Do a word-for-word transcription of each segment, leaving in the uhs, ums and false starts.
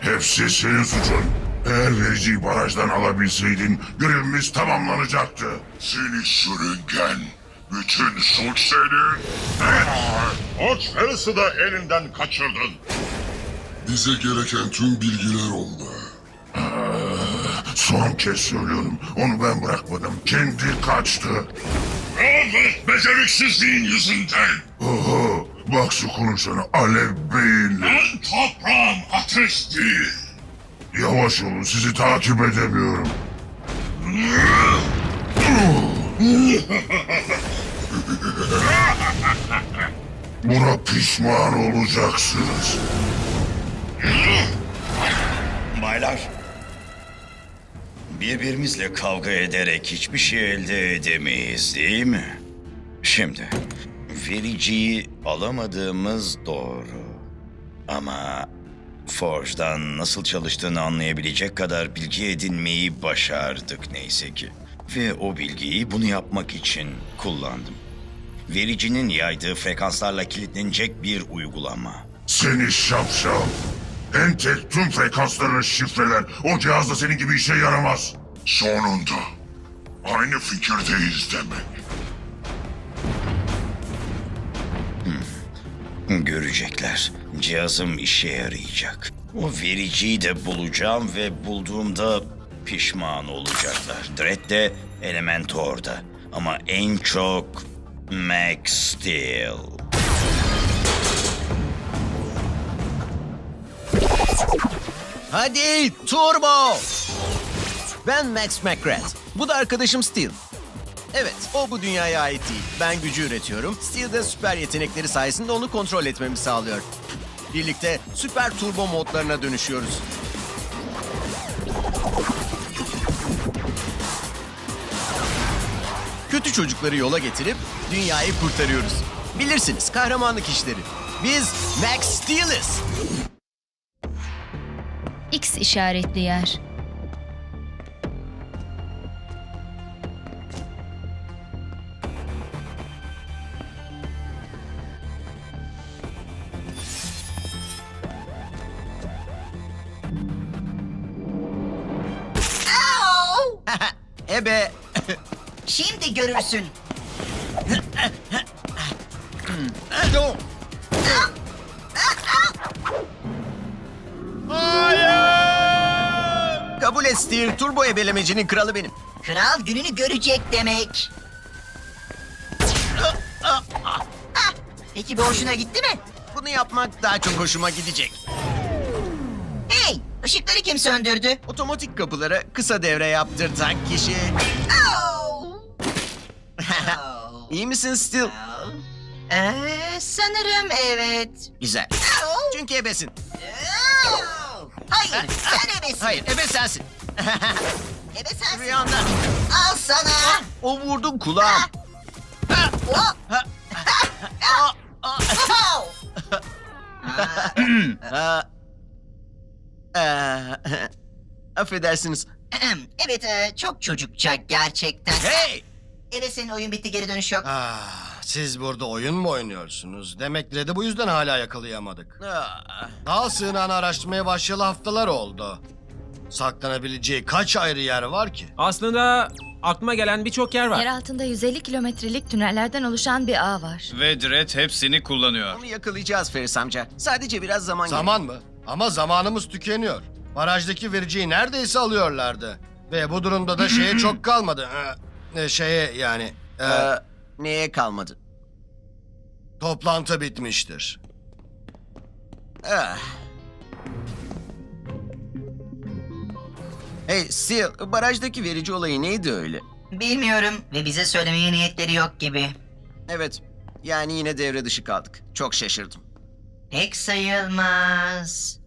Hepsi senin suçun. Eğer vericiyi barajdan alabilseydin görevimiz tamamlanacaktı. Seni sürüngen. Bütün suç senin. Oç Ferris'i de elinden kaçırdın. Bize gereken tüm bilgiler onda. Son kez söylüyorum. Onu ben bırakmadım. Kendi kaçtı. Evet, beceriksizliğin yüzünden. Oho, bak şu konuşana alev beyinli. Ben toprağım, ateş değil. Yavaş olun, sizi takip edemiyorum. Buna pişman olacaksınız. Baylar, birbirimizle kavga ederek hiçbir şey elde edemeyiz, değil mi? Şimdi, vericiyi alamadığımız doğru. Ama Forge'dan nasıl çalıştığını anlayabilecek kadar bilgi edinmeyi başardık neyse ki. Ve o bilgiyi bunu yapmak için kullandım. Vericinin yaydığı frekanslarla kilitlenecek bir uygulama. Seni şapşal. Entek tüm frekanslarını şifreler. O cihaz da senin gibi işe yaramaz. Sonunda. Aynı fikirdeyiz demek. Görecekler. Cihazım işe yarayacak. O vericiyi de bulacağım ve bulduğumda pişman olacaklar. Dredd de, Elementor da. Ama en çok Max Steel. Hadi turbo! Ben Max McGrath. Bu da arkadaşım Steel. Evet, o bu dünyaya ait değil. Ben gücü üretiyorum. Steel de süper yetenekleri sayesinde onu kontrol etmemi sağlıyor. Birlikte süper turbo modlarına dönüşüyoruz. Kötü çocukları yola getirip dünyayı kurtarıyoruz. Bilirsiniz, kahramanlık işleri. Biz Max Steel'iz. X işaretli yer. Ebe. Şimdi görürsün. Kabul et Steel, turbo ebelemecinin kralı benim. Kral gününü görecek demek. Ah, peki bu hoşuna gitti mi? Bunu yapmak daha çok hoşuma gidecek. Hey, ışıkları kim söndürdü? Otomatik kapılara kısa devre yaptırtan kişi. Oh! Oh! İyi misin Steel? Oh! Ee, sanırım evet. Güzel. Oh! Çünkü ebesin. Oh! Hayır, sen ebesin. Hayır, ebe sensin. Ebe sensin. Rüyanda. Al sana. O vurdum kulağım. Oh! Aa, aa, Oh! aa. Aa, affedersiniz. Ahem, evet, e, çok çocukça gerçekten. Hey! Evet, senin oyun bitti, geri dönüş yok. Ah, siz burada oyun mu oynuyorsunuz? Demek Dredd'i bu yüzden hala yakalayamadık. Aa, Dağ sığınağını araştırmaya başlayalı haftalar oldu. Saklanabileceği kaç ayrı yer var ki? Aslında aklıma gelen birçok yer var. Yer altında yüz elli kilometrelik tünellerden oluşan bir ağ var. Ve Dredd hepsini kullanıyor. onu yakalayacağız Feris amca. Sadece biraz zaman Zaman mı? Ama zamanımız tükeniyor. Barajdaki vericiyi neredeyse alıyorlardı. Ve bu durumda da şeye çok kalmadı. Ee, e, şeye yani... e, gerek. Ee, neye kalmadı? toplantı bitmiştir. Ah. Hey Steel, barajdaki verici olayı neydi öyle? Bilmiyorum ve bize söylemeye niyetleri yok gibi. Evet, yani yine devre dışı kaldık. Çok şaşırdım. Pek sayılmaz.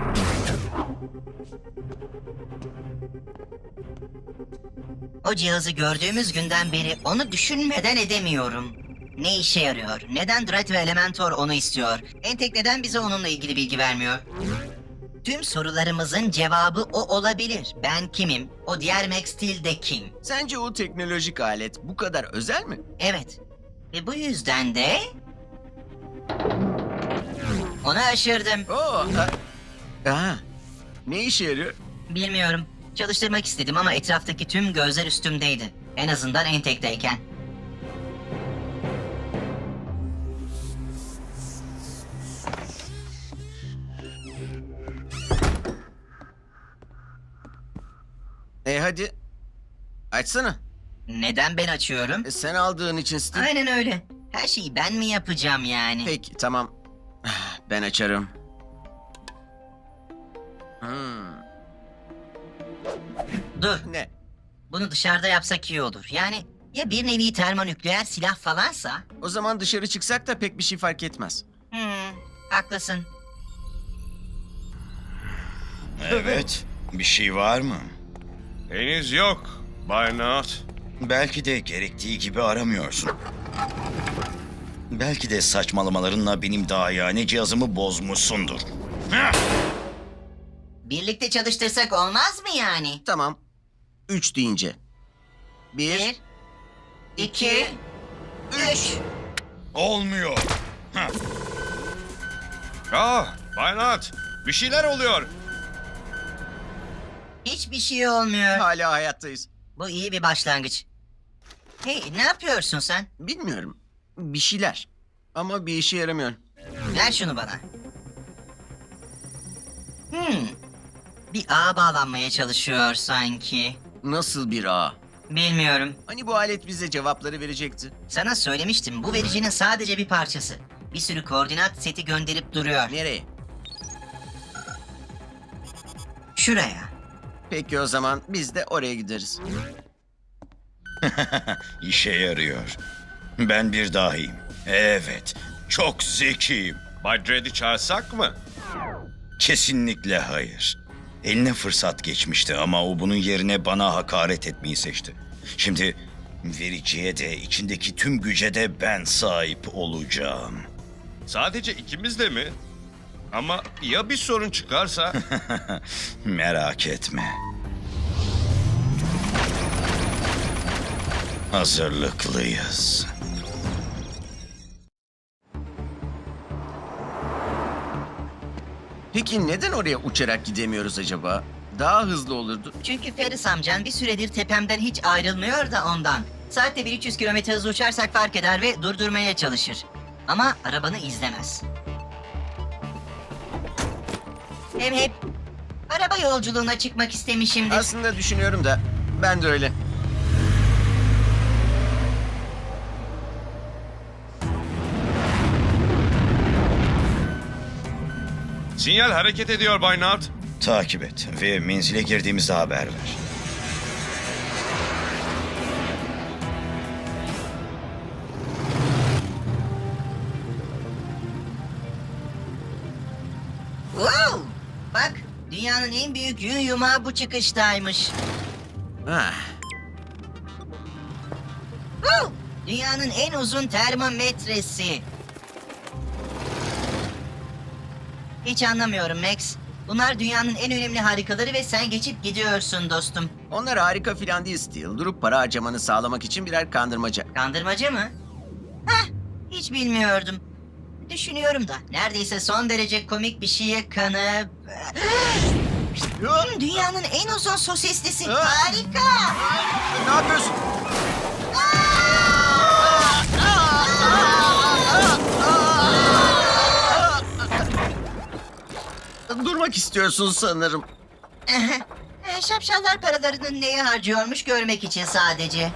O cihazı gördüğümüz günden beri onu düşünmeden edemiyorum. Ne işe yarıyor? Neden Dredd ve Elementor onu istiyor? Entek neden bize onunla ilgili bilgi vermiyor? Tüm sorularımızın cevabı o olabilir. Ben kimim? O diğer Max Steel de kim? Sence o teknolojik alet bu kadar özel mi? Evet. Ve bu yüzden de... Onu aşırdım. Oo, a- Aa, Ne işe yarıyor? Bilmiyorum. Çalıştırmak istedim ama etraftaki tüm gözler üstümdeydi. En azından entekteyken. E hadi. Açsana. Neden ben açıyorum? E, sen aldığın için Steve. Aynen öyle. Her şeyi ben mi yapacağım yani? Peki tamam. Ben açarım. Hmm. Dur. Ne? Bunu dışarıda yapsak iyi olur. Yani ya bir nevi termonükleer silah falansa? O zaman dışarı çıksak da pek bir şey fark etmez. Hmm, haklısın. Evet. Bir şey var mı? Henüz yok Bay Naut. Belki de gerektiği gibi aramıyorsun. Belki de saçmalamalarınla benim dahiyane cihazımı bozmuşsundur. Heh! Birlikte çalıştırsak olmaz mı yani? Tamam. Üç deyince. Bir. Bir, iki, üç. Olmuyor. Heh. Ah Bay Naut, bir şeyler oluyor. Hiçbir şey olmuyor. Hala hayattayız. Bu iyi bir başlangıç. Hey, ne yapıyorsun sen? Bilmiyorum. Bir şeyler. Ama bir işe yaramıyor. Ver şunu bana. Hmm. Bir ağa bağlanmaya çalışıyor sanki. Nasıl bir ağ? Bilmiyorum. Hani bu alet bize cevapları verecekti. Sana söylemiştim, bu vericinin sadece bir parçası. Bir sürü koordinat seti gönderip duruyor. Nereye? Şuraya. Peki o zaman biz de oraya gideriz. İşe yarıyor. Ben bir dahiyim. Evet. Çok zekiyim. Bay Dredd'i çağırsak mı? Kesinlikle hayır. Eline fırsat geçmişti ama o bunun yerine bana hakaret etmeyi seçti. Şimdi vericiye de içindeki tüm güce de ben sahip olacağım. Sadece ikimiz de mi? Ama ya bir sorun çıkarsa? Merak etme. Hazırlıklıyız. Peki neden oraya uçarak gidemiyoruz acaba? Daha hızlı olurdu. Çünkü Ferris amcan bir süredir tepemden hiç ayrılmıyor da ondan. Saatte bin üç yüz kilometre hızla uçarsak fark eder ve durdurmaya çalışır. Ama arabanı izlemez. Hem hep araba yolculuğuna çıkmak istemişimdir. Aslında düşünüyorum da ben de öyle. Sinyal hareket ediyor Bay Naut. Takip et ve menzile girdiğimizde haber ver. Wow! Bak, dünyanın en büyük yün yumağı bu çıkıştaymış. Ah, Wow! Dünyanın en uzun termometresi. Hiç anlamıyorum Max. Bunlar dünyanın en önemli harikaları ve sen geçip gidiyorsun dostum. onlar harika filan değil Steel. Durup para harcamanı sağlamak için birer kandırmaca. Kandırmacı mı? Heh, hiç bilmiyordum. Düşünüyorum da neredeyse son derece komik bir şeye kanıp... Hmm, Dünyanın en uzun sosislisi. Harika! Ne yapıyorsun? Durmak istiyorsun sanırım. E, Şapşallar paralarını neye harcıyormuş görmek için sadece.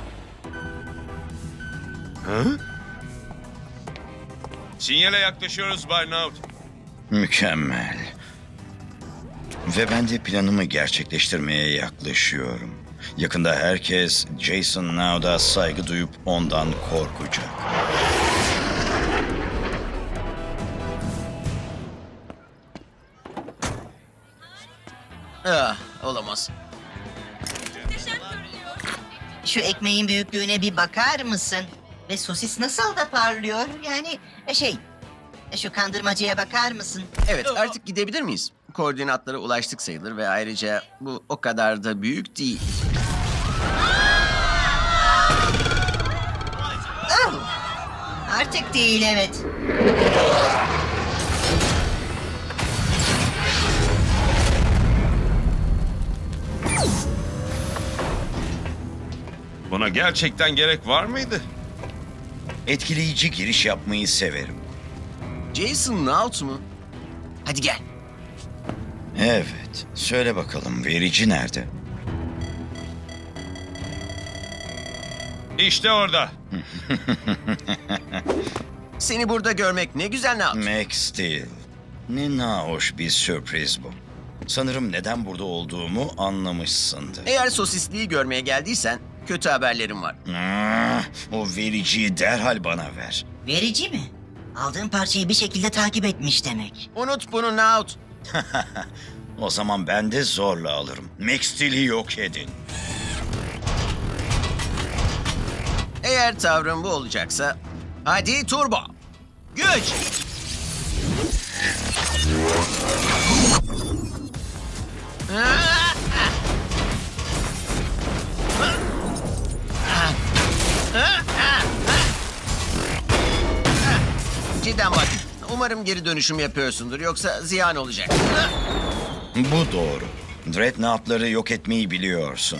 Sinyale yaklaşıyoruz Bay Naut. Mükemmel. Ve ben de planımı gerçekleştirmeye yaklaşıyorum. Yakında herkes Jason Naud'a saygı duyup ondan korkacak. Ah, olamaz. Şu ekmeğin büyüklüğüne bir bakar mısın? Ve sosis nasıl da parlıyor? Yani e, şey, e, şu kandırmacıya bakar mısın? Evet, artık gidebilir miyiz? Koordinatlara ulaştık sayılır ve ayrıca bu o kadar da büyük değil. Oh! Artık değil, evet. Buna gerçekten gerek var mıydı? Etkileyici giriş yapmayı severim. Jason Naut mu? Hadi gel. Evet, söyle bakalım verici nerede? İşte orada. Seni burada görmek ne güzel Naut. Max Steel. Ne nahoş bir sürpriz bu. Sanırım neden burada olduğumu anlamışsındır. Eğer sosisliği görmeye geldiysen kötü haberlerim var. Ah, o vericiyi derhal bana ver. Verici mi? Aldığım parçayı bir şekilde takip etmiş demek. Unut bunu Naut. O zaman ben de zorla alırım. Max Steel'i yok edin. Eğer tavrın bu olacaksa hadi turbo. Güç. Cidden bak. Umarım geri dönüşüm yapıyorsundur. Yoksa ziyan olacak. Bu doğru. Dreadnought'ları yok etmeyi biliyorsun.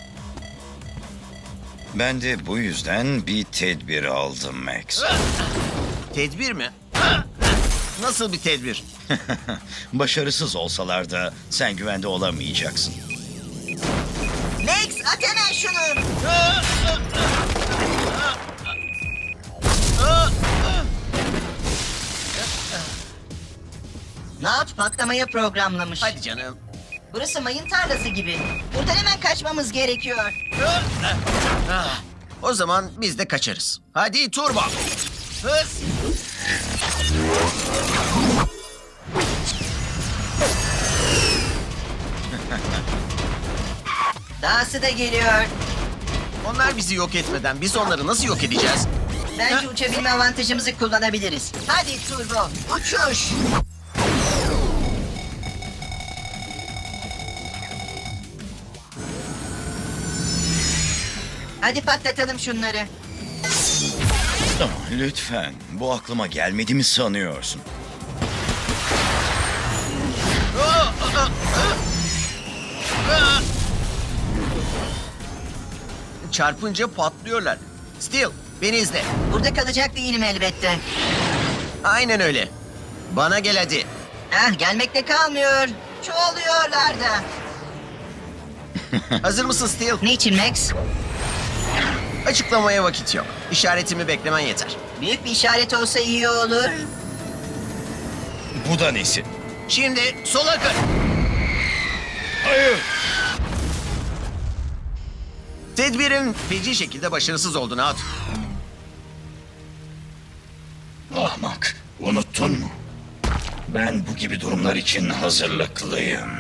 Ben de bu yüzden bir tedbir aldım Max. Tedbir mi? Nasıl bir tedbir? Başarısız olsalar da sen güvende olamayacaksın. Max at hemen şunu. Naut patlamaya programlamış. Hadi canım. Burası mayın tarlası gibi. Buradan hemen kaçmamız gerekiyor. Ah, o zaman biz de kaçarız. Hadi turbo. Hız. Dahası da geliyor. Onlar bizi yok etmeden biz onları nasıl yok edeceğiz? Bence uçabilme avantajımızı kullanabiliriz. Hadi turbo, uçuş. Hadi patlatalım şunları. Ama lütfen, bu aklıma gelmedi mi sanıyorsun? Çarpınca patlıyorlar. Steel, beni izle. Burada kalacak değilim elbette. Aynen öyle. Bana gel hadi. Ah, gelmekte kalmıyor. Çoğalıyorlar da. Hazır mısın Steel? Niçin Max? Açıklamaya vakit yok. İşaretimi beklemen yeter. Büyük bir işaret olsa iyi olur. Bu da nesi? Şimdi sola kır. Hayır! Tedbirin feci şekilde başarısız oldu Naut. Ahmak, unuttun mu? Ben bu gibi durumlar için hazırlıklıyım.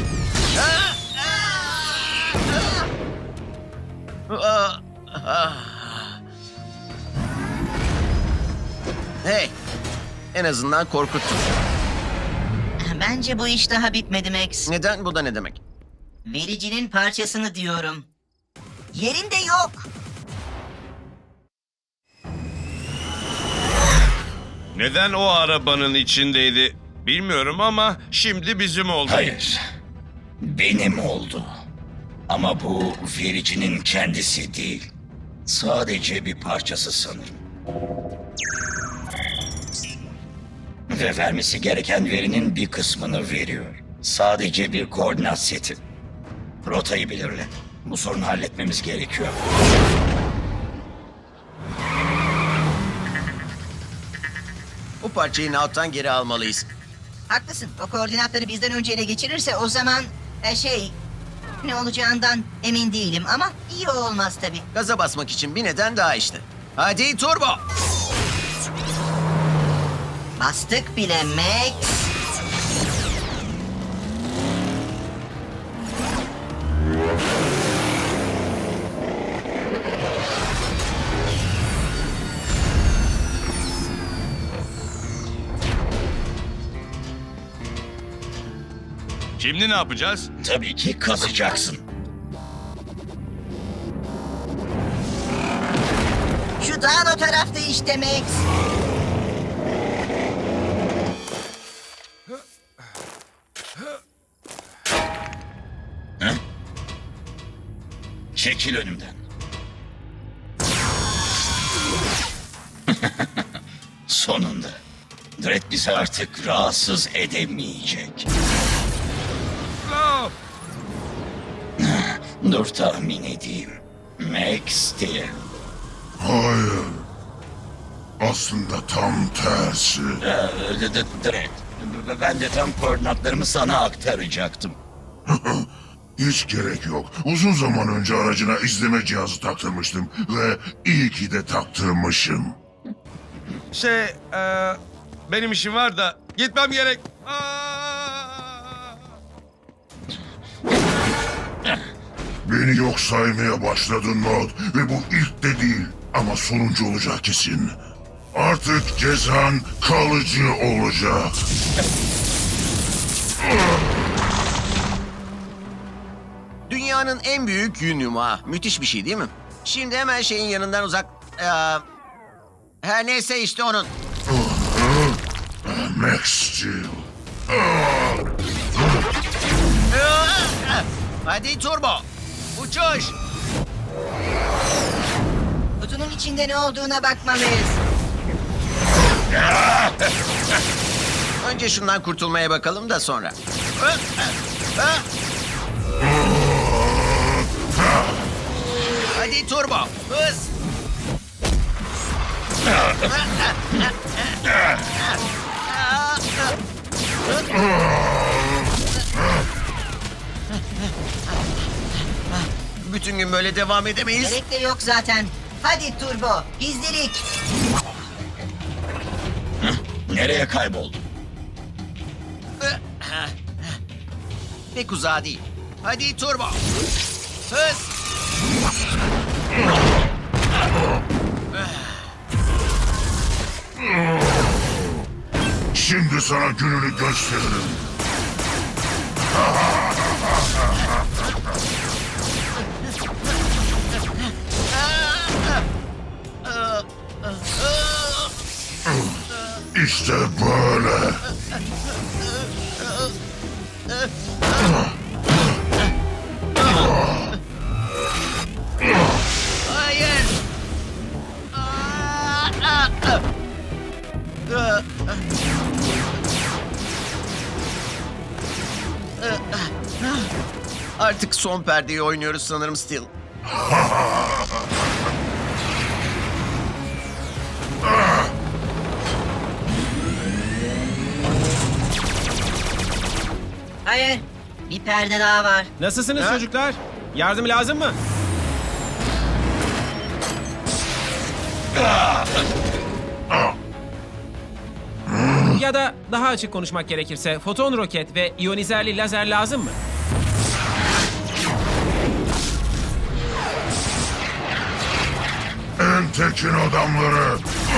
Ah, ah. Hey, en azından korkuttun. Bence bu iş daha bitmedi Max. Neden? Bu da ne demek? Vericinin parçasını diyorum. Yerinde yok. Neden o arabanın içindeydi bilmiyorum ama şimdi bizim oldu. Hayır, benim oldu. Ama bu vericinin kendisi değil. Sadece bir parçası sanırım. Ve vermesi gereken verinin bir kısmını veriyor. Sadece bir koordinat seti. Rotayı belirle. Bu sorunu halletmemiz gerekiyor. Bu parçayı Naut'tan geri almalıyız. Haklısın. O koordinatları bizden önce ele geçirirse o zaman e, şey ne olacağından emin değilim ama iyi olmaz tabii. Gaza basmak için bir neden daha işte. Hadi turbo. Bastık bile Max. Şimdi ne yapacağız? Tabii ki kazacaksın. Şu dağın o tarafta işte Max. Çekil önümden. Sonunda. Dredd bizi artık rahatsız edemeyecek. Dur tahmin edeyim. Max Steel. Hayır. Aslında tam tersi. Ee, D- D- Dredd. B- Ben de tam koordinatlarımı sana aktaracaktım. Hiç gerek yok. Uzun zaman önce aracına izleme cihazı taktırmıştım ve iyi ki de taktırmışım. Şey, e, benim işim var da gitmem gerek. Aa! Beni yok saymaya başladın Nod ve bu ilk de değil ama sonuncu olacak kesin. Artık cezan kalıcı olacak. Dünyanın en büyük yün yumağı. Müthiş bir şey değil mi? Şimdi hemen şeyin yanından uzak... Ee, her neyse işte onun. Max Steel. Hadi turbo. Uçuş. Kutunun içinde ne olduğuna bakmalıyız. Önce şundan kurtulmaya bakalım da sonra. Hadi turbo. Hız. Bütün gün böyle devam edemeyiz. Gerek de yok zaten. Hadi turbo, gizlilik. Nereye kayboldun? Pek uzağa değil. Hadi turbo. Hız. Şimdi sana gününü gösteririm. İşte böyle. Hayır. Artık son perdeyi oynuyoruz sanırım Steel. Hayır, bir perde daha var. Nasılsınız Ha? çocuklar? Yardım lazım mı? Ya da daha açık konuşmak gerekirse foton roket ve iyonizerli lazer lazım mı? En tekin adamları.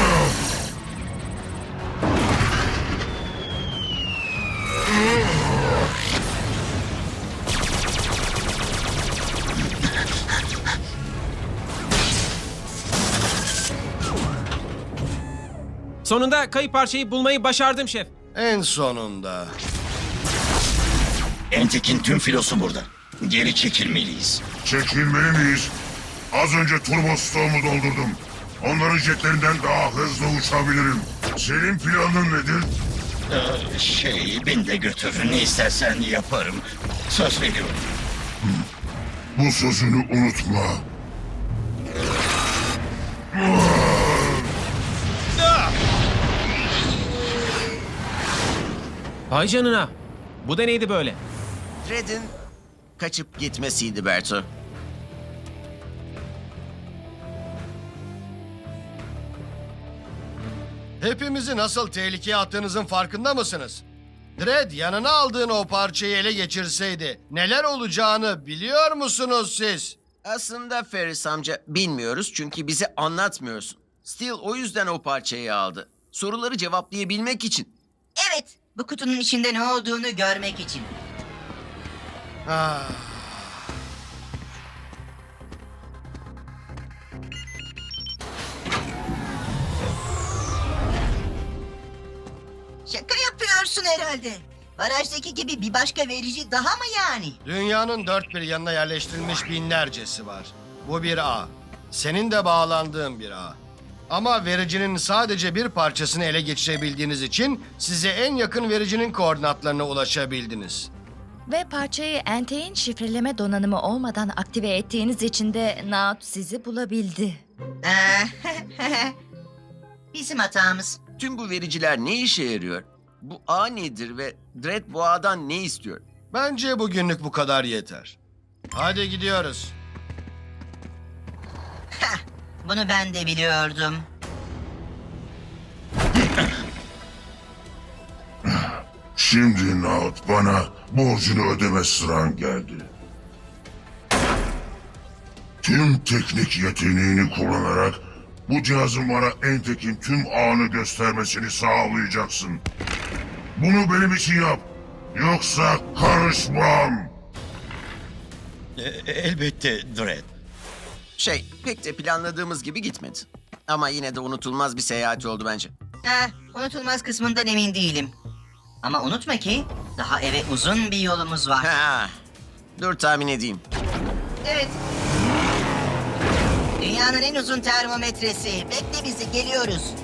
Sonunda kayıp parçayı bulmayı başardım şef. En sonunda. Entek'in tüm filosu burada. Geri çekilmeliyiz. Çekilmeli miyiz? Az önce turbo stoğumu doldurdum. Onların jetlerinden daha hızlı uçabilirim. Senin planın nedir? Ee, şey, beni de götür. Ne istersen yaparım. Söz veriyorum. Bu sözünü unutma. Vay canına. Bu da neydi böyle? Dredd'in kaçıp gitmesiydi Berto. Hepimizi nasıl tehlikeye attığınızın farkında mısınız? Dredd yanına aldığın o parçayı ele geçirseydi neler olacağını biliyor musunuz siz? Aslında Ferris amca bilmiyoruz çünkü bize anlatmıyorsun. Steel o yüzden o parçayı aldı. Soruları cevaplayabilmek için. Evet, bu kutunun içinde ne olduğunu görmek için. Ah. Şaka yapıyorsun herhalde. Barajdaki gibi bir başka verici daha mı yani? Dünyanın dört bir yanına yerleştirilmiş binlercesi var. Bu bir ağ. Senin de bağlandığın bir ağ. Ama vericinin sadece bir parçasını ele geçirebildiğiniz için size en yakın vericinin koordinatlarına ulaşabildiniz. Ve parçayı Entek'in şifreleme donanımı olmadan aktive ettiğiniz için de Naut sizi bulabildi. Ee, Bizim hatamız. Tüm bu vericiler ne işe yarıyor? Bu ağ nedir ve Dredd bu ağdan ne istiyor? Bence bugünlük bu kadar yeter. Hadi gidiyoruz. Bunu ben de biliyordum. Şimdi Naut bana borcunu ödeme sıran geldi. Tüm teknik yeteneğini kullanarak bu cihazın bana Entek'in tüm ağını göstermesini sağlayacaksın. Bunu benim için yap. Yoksa karışmam. E- elbette Dredd. Şey, pek de planladığımız gibi gitmedi. Ama yine de unutulmaz bir seyahat oldu bence. Eh, unutulmaz kısmından emin değilim. Ama unutma ki daha eve uzun bir yolumuz var. Ha, dur tahmin edeyim. Evet. Dünyanın en uzun termometresi. Bekle bizi, geliyoruz.